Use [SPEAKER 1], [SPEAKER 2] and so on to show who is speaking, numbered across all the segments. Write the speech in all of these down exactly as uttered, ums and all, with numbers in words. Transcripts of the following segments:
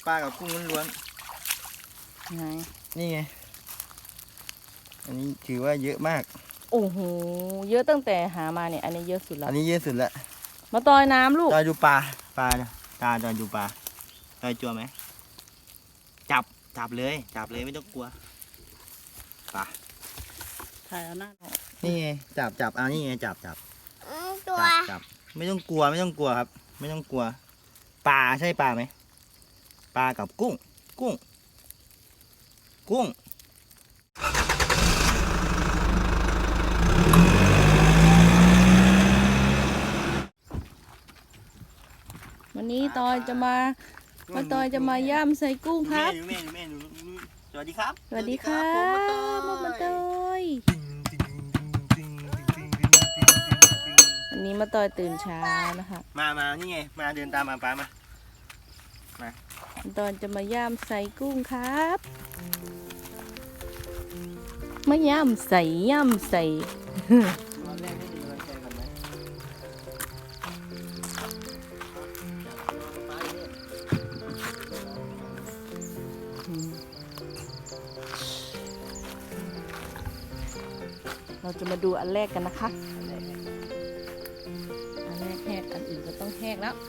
[SPEAKER 1] ปลากับกุ้งล้วน
[SPEAKER 2] ไหน
[SPEAKER 1] นี่ไงอันนี้ถือว่าเยอะมาก
[SPEAKER 2] โอ้โหเยอะตั้งแต่หามาเนี่ยอันนี้เยอะสุดแล้ว
[SPEAKER 1] อันนี้เยอะสุดละ
[SPEAKER 2] มาตอยน้ำลูก
[SPEAKER 1] จอยดูปลาปลาตาจอยดูปลาจอยจัวไหมจับจับเลยจับเลยไม่ต้องกลัวปลา
[SPEAKER 2] ถ่ายเอาหน้า
[SPEAKER 1] นี่ไงจับจับเอานี่ไงจับจับ
[SPEAKER 3] ตัว
[SPEAKER 1] จับจับไม่ต้องกลัวไม่ต้องกลัวครับ ไม่ต้องกลัวปลาใช่ปลาไหมปลากับกุ้งกุ้งกุ้ง
[SPEAKER 2] วันนี้ตอยจะมามาตอยจะมาย่ำใส่กุ้งครับ
[SPEAKER 1] แม่แม่สวัสดีครับ
[SPEAKER 2] สวัสดีครับมาตอยวันนี้มาตอยตื่นเช้านะคะ
[SPEAKER 1] มามานี่ไงมาเดินตามมาป้ามามา
[SPEAKER 2] ตอนจะมาย่ำใส่กุ้งครับมาย่ำใส่ย่ำใส่เราจะมาดูอันแรกกันนะคะอันแรกแหกอันอื่นก็ต้องแหกแล้ว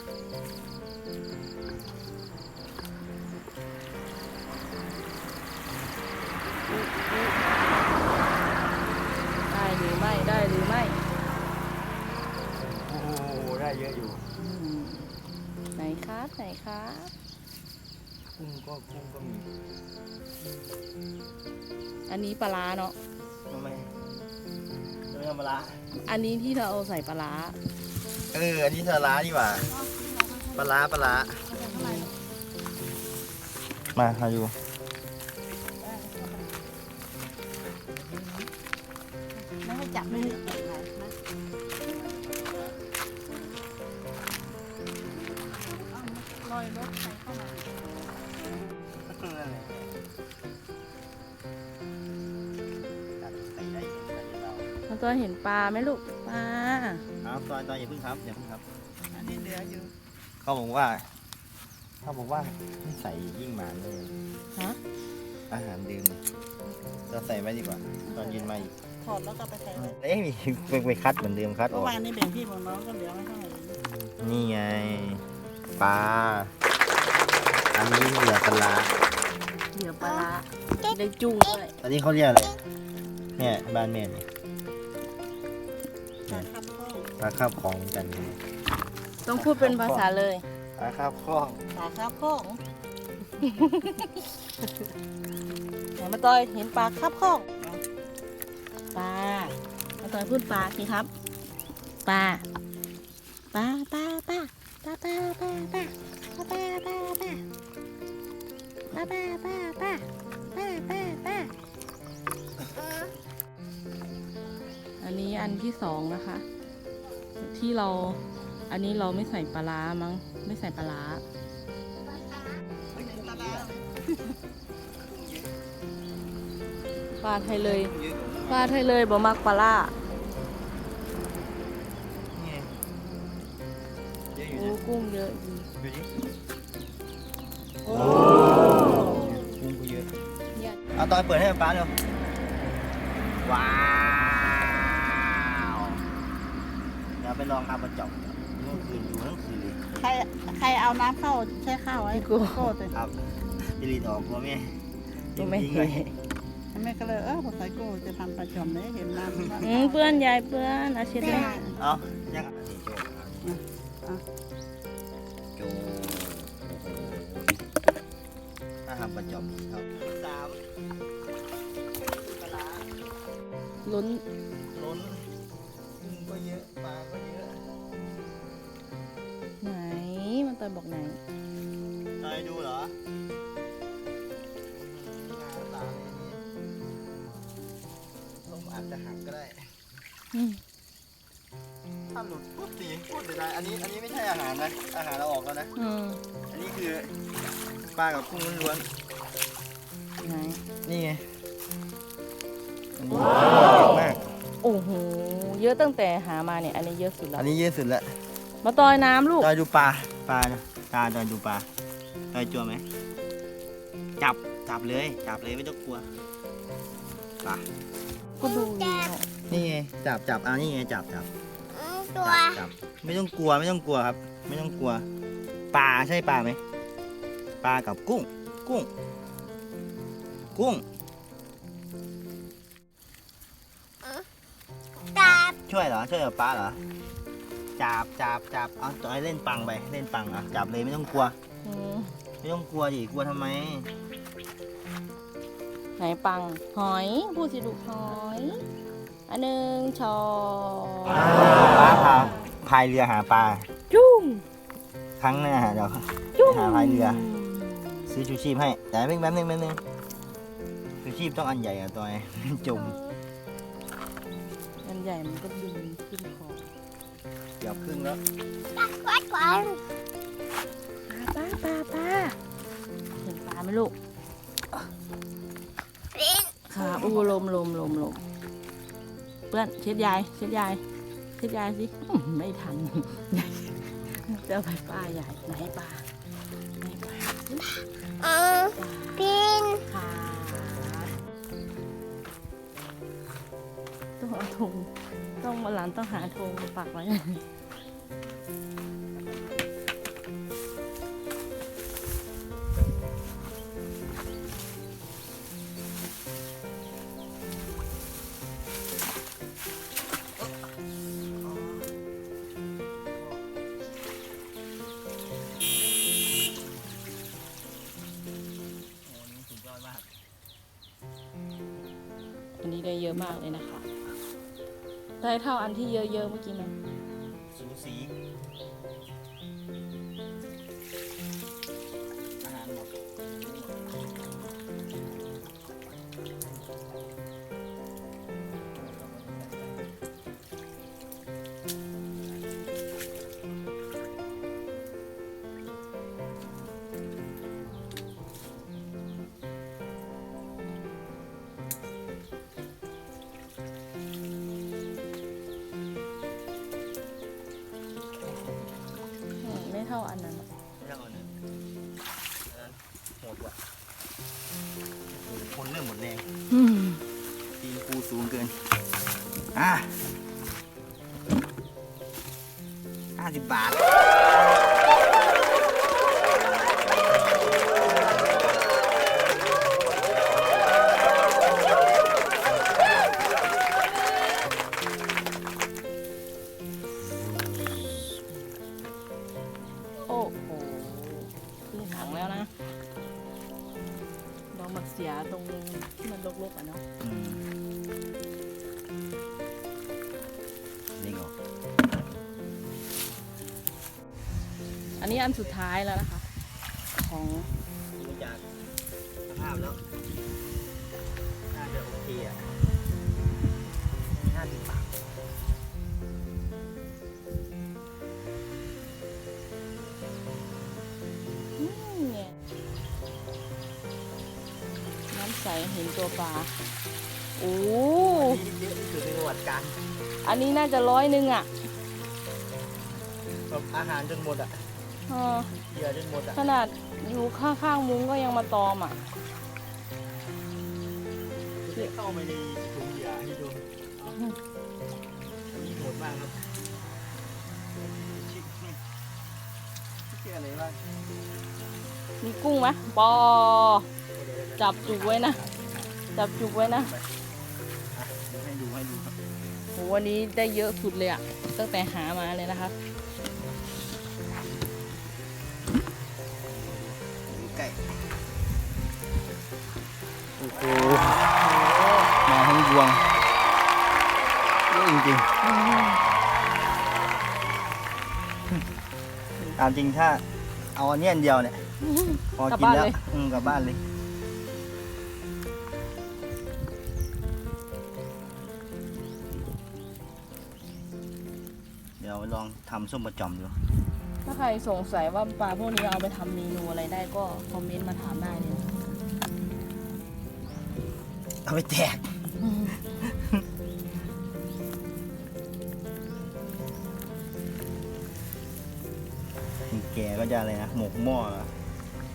[SPEAKER 2] ได้หรือไม่ได้หรือไม่
[SPEAKER 1] โอ้โหได้เยอะอยู่
[SPEAKER 2] ไหนครับไหนครับ
[SPEAKER 1] กุ้งก็กุ้งก็มี
[SPEAKER 2] อันนี้ปลาร้าเนาะ
[SPEAKER 1] ทำไมทำไมทำปลาร้า
[SPEAKER 2] อันนี้ที่เราเอาใส่ปลาร้า
[SPEAKER 1] เอออันนี้ปลาร้าดีกว่าปลาร้าปลาร้ามาหาอยู่
[SPEAKER 2] ไม่ให้จับไม่ให้จับนะลอยรถใส่เข้ามามันตัวเห็นปลาไหมลูกปลา
[SPEAKER 1] ครับตอนตอนอย่าพึ่งครับอย่าพึ่งครับ
[SPEAKER 2] อันนี้เหลืออยู่
[SPEAKER 1] เขาบอกว่าเขาบอกว่าไม่ใส่ยิ่งหมานเลย
[SPEAKER 2] ฮะ
[SPEAKER 1] อาหารเดิมเราใส่ไว้ดีกว่าตอนยืนมาอีก
[SPEAKER 2] ถอดแล้วก็ไปใส่ไว้
[SPEAKER 1] เอ้ยไปไปคัดเหมือนเดิมคัดออก
[SPEAKER 2] เมื่อวานนี้แบ่งพี่แบ่งน้องก็เหลือไว้เท่าไหร่
[SPEAKER 1] นี่ไงปลาอันนี้เหลือปลา
[SPEAKER 2] เหลือปลาได้จุ้งด้วย
[SPEAKER 1] อันนี้เขาเรียกอะไรเนี่ยบ้านแม่เนี่ยปลาคาบของกัน
[SPEAKER 2] ต้องพูดเป็นภาษาเลย
[SPEAKER 1] ปลาคาบคล้อง
[SPEAKER 2] ปลาคาบคล้องไหนมาตอยเห็นปลาคาบคล้องปลามาตอยพูดปลาสิครับปลาปลาปลาปลาปลาปลาปลาปลาปลาปลาปลาปลาปลาปลาปลาปลาปลาปลาปลาอันนี้อันที่สองนะคะที่เราอันนี้เราไม่ใส่ปลาร้ามั้งไม่ใส่ปลาร้าปลาไทยเลยปลาไทยเลยบ่มักปลาร้าโอ้กุ้งเยอะดี
[SPEAKER 1] โอ้กุ้งก็เยอะเอาตอนเปิดให้ป้าเร็วว้าวเดี๋ยวไปลองทำกระจกเมื่อคืนอยู่ทั้งคืนเลย
[SPEAKER 2] ใครใครเอาน้ำเข้าใช้ข้าวไว้กูโคตรเลย
[SPEAKER 1] ครับจะรีดออกกลัวแม่
[SPEAKER 2] กูไม่เห็นแม่ก็เลยเออพอใส่กูจะทำประจำเลยเห็นน้ำเพื่อนยายเพื่อนอาชีพเลย
[SPEAKER 1] เอายังโจถ้าทำประจำครับสาม
[SPEAKER 2] ล้น
[SPEAKER 1] ล้นกุ้งก็เยอะปลาก็เยอะ
[SPEAKER 2] ไหนมันตอยบอกไหน
[SPEAKER 1] ตอยดูเหรอตาต้มอาจจะหักก็ได้ถ้าหลุดปุ๊บสีพูดได้อันนี้อันนี้ไม่ใช่อาหารนะอาหารเราออกแล้วนะอันนี้คือปลากับกุ้งล้วน
[SPEAKER 2] ไหน
[SPEAKER 1] นี่ไงอันนี้เยอะมาก
[SPEAKER 2] โอ้โหเยอะตั้งแต่หามาเนี่ยอันนี้เยอะสุดแล้ว
[SPEAKER 1] อันนี้เยอะสุดแล้ว
[SPEAKER 2] มาตอยน้ำลูก
[SPEAKER 1] จอยดูปลาปลาตาจอยดูปลาจจอยจัวไหมจับจับเลยจับเลยไม่ต้องกลัวป่ะ
[SPEAKER 2] ก็ดู
[SPEAKER 1] นี่ไงจับจับเอานี่ไงจับจับ
[SPEAKER 3] ตัว
[SPEAKER 1] จับจับไม่ต้องกลัวไม่ต้องกลัวครับ ไม่ต้องกลัวปลาใช่ปลาไหมปลากับกุ้ง กุ้ง กุ้ง
[SPEAKER 3] จับ
[SPEAKER 1] ช่วยเหรอช่วยกับปลาเหรอจับจับจับเอาจอยเล่นปังไปเล่นปังอ่ะจับเลยไม่ต้องกลัว
[SPEAKER 2] อืม
[SPEAKER 1] ไม่ต้องกลัวดิกลัวทำไม
[SPEAKER 2] ไหนปังหอยพูดสิลูกหอยอันหนึ่งช้อน
[SPEAKER 1] ปลาพาพายเรือหาปลา
[SPEAKER 2] จุ้ง
[SPEAKER 1] ครั้งหน้าเดี๋ยว
[SPEAKER 2] จุ้ง
[SPEAKER 1] หาพายเรือ ซื้อชูชีพให้แต่แป๊บนึงแป๊บนึงแป๊บนึงชูชีพต้องอันใหญ่อะตัวไอ้ จม
[SPEAKER 2] อันใหญ่มันก็ดึงขึ้นคอ
[SPEAKER 1] เกือบครึ่งแล้ว
[SPEAKER 3] วัดก่อน
[SPEAKER 2] ปลาปลาปลาเห็นปลาไหมลูก
[SPEAKER 3] ลิ้น
[SPEAKER 2] ค่ะอู้ลมลมลมลมเพื่อนเช็ดยายเช็ดยายเช็ดยายสิอื้อไม่ทัน เจอไปปลาใหญ่ไหนปลาไหนปลา
[SPEAKER 3] เออ
[SPEAKER 2] ปลา
[SPEAKER 3] ปีน
[SPEAKER 2] ขาต้องเอาธงต้องมาหลานต้องหาธงมาปักไว้
[SPEAKER 1] สุดยอดมาก
[SPEAKER 2] อันนี้ได้เยอะมากเลยนะคะ ได้เท่าอันที่เยอะๆเมื่อกี้ไหม
[SPEAKER 1] สูสีอาหารหมด
[SPEAKER 2] อืมไม่เท่าอันนั้น
[SPEAKER 1] ไม่ต้องเอาหนึ่งอันนั้นโหดกว่าคนเริ่มหมดแรง
[SPEAKER 2] อืม
[SPEAKER 1] ตีนปูสูงเกิน อ่ะห้าสิบบาท
[SPEAKER 2] โอ้โหครึ่งถังแล้วนะเรามาเสียตรงที่มันรกๆอ่ะเนาะ
[SPEAKER 1] อืมเด้งออก
[SPEAKER 2] อันนี้อันสุดท้ายแล้วนะคะ ของ
[SPEAKER 1] ดูจากสภาพแล้ว น่าจะโอเคอ่ะห้าสิบบาท
[SPEAKER 2] อืมเนี่ยน้ำใสเห็นตัวปลาโอ้
[SPEAKER 1] นี่เยอะที่สุดในประวัติการ
[SPEAKER 2] อันนี้น่าจะร้อยหนึ่งอ่ะ
[SPEAKER 1] แบบอาหารจนหมดอ่ะ
[SPEAKER 2] เออ
[SPEAKER 1] เหยื่อจนหมดอ่ะ
[SPEAKER 2] ขนาดอยู่ข้างๆมุ้งก็ยังมาตอมอ่ะ
[SPEAKER 1] เข้าไปในถุงเหยื่อให้ดูอันนี้โหดมากครับชิคนี่ชื่ออะไรบ้าง
[SPEAKER 2] มีกุ้งไหมปอ จับจุกไว้นะ จับจุกไว้นะ
[SPEAKER 1] อ่ะเดี๋ยวให้ดูให้ดูครับ
[SPEAKER 2] โหวันนี้ได้เยอะสุดเลยอ่ะ ตั้งแต่หามาเลยนะคะ
[SPEAKER 1] ดูใกล้โอ้โหมาทั้งยวงเยอะจริงๆตามจริงถ้าเอาอันนี้อันเดียวเนี่ยพอก
[SPEAKER 2] ลับ
[SPEAKER 1] กิน
[SPEAKER 2] บ้าน
[SPEAKER 1] แล้ว
[SPEAKER 2] เลย
[SPEAKER 1] อืมกลับบ้านเลย เดี๋ยวลองทำส้มประจอมดู
[SPEAKER 2] ถ้าใครสงสัยว่าปลาพวกนี้เอาไปทำเมนูอะไรได้ก็คอมเมนต์มาถามได้เลยนะ
[SPEAKER 1] เอาไปแจกแกก็จะอะไรนะ หมกหม้อเหรอ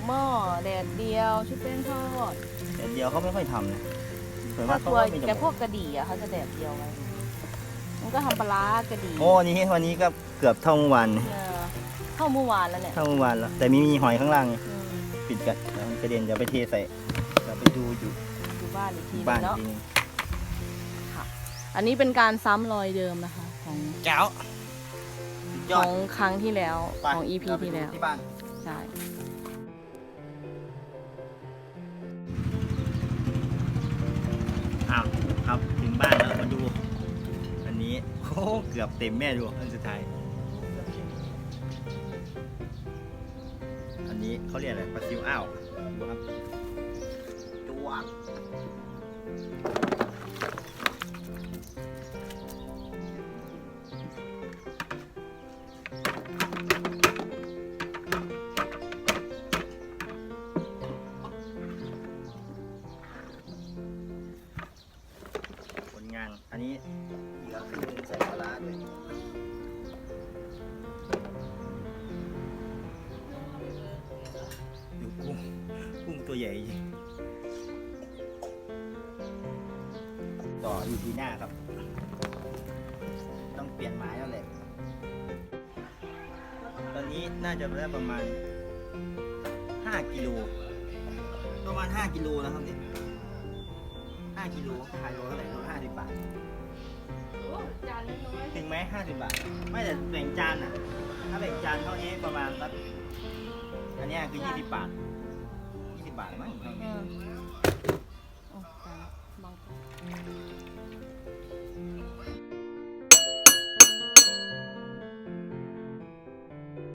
[SPEAKER 2] หม้อแดดเดียวชุบแป้งทอด
[SPEAKER 1] แต่เดียวเขาไม่ค่อยทำนะเหมือนว่า
[SPEAKER 2] ถ้า
[SPEAKER 1] เขา
[SPEAKER 2] ตัว
[SPEAKER 1] ไม่
[SPEAKER 2] แต่
[SPEAKER 1] จะ
[SPEAKER 2] พวกกระดี่อะเขาจะแดดเดียวไว้มันก็ทำปลาร้ากระดี่
[SPEAKER 1] โอ้วันนี้วันนี้ก็เกือบเท่าเมื่อวาน
[SPEAKER 2] เออเข้าเมื่อวานแล้วเนี่ย
[SPEAKER 1] เท่าเมื่อวานแล้ว แต่มีมีหอยข้างล่าง
[SPEAKER 2] อืม
[SPEAKER 1] ปิดกันแล้วมันกระเด็นเดี๋ยวไปเทใส่เดี๋ยวไปดูอยู่
[SPEAKER 2] อยู่บ้านอีกทีนึ
[SPEAKER 1] บ้าน
[SPEAKER 2] งเนาะ
[SPEAKER 1] ทีนึง
[SPEAKER 2] อันนี้เป็นการซ้ำรอยเดิมนะคะ ของ
[SPEAKER 1] แก้วสุดย
[SPEAKER 2] ข
[SPEAKER 1] อ
[SPEAKER 2] อ
[SPEAKER 1] ด
[SPEAKER 2] งครั้งที่แล้ว
[SPEAKER 1] ไป
[SPEAKER 2] ของ อี พี
[SPEAKER 1] เราไป
[SPEAKER 2] ที่
[SPEAKER 1] ดู
[SPEAKER 2] แล้ว
[SPEAKER 1] ที่บ้าน
[SPEAKER 2] ใช่
[SPEAKER 1] อ้าวครับถึงบ้านแล้วมาดูอันนี้โอ้เกือบเต็มแม่ดูอันสุดท้ายอันนี้เขาเรียกอะไรปลาซิวอ้าวดูครับจวกผลงานอันนี้เหลือขึ้นใส่ปลาร้าด้วยดูกุ้งกุ้งตัวใหญ่จริงต่ออยู่ที่หน้าครับ ต้องเปลี่ยนไม้แล้วแหละตอนนี้น่าจะได้ประมาณห้ากิโลประมาณห้ากิโลนะครับเนี่ยห้ากิโลขายโลเท่าไหร่โลห้าสิบบาท
[SPEAKER 2] จานน้อย
[SPEAKER 1] ถึงไหมห้าสิบบาท ไม่แต่แบ่งจานอ่ะ ถ้าแบ่งจานเท่านี้ประมาณสักอันเนี้ยคือยี่สิบบาทยี่สิบบาทมั้งเท่า
[SPEAKER 2] ๆ
[SPEAKER 1] นี้
[SPEAKER 2] โอ้จานบาง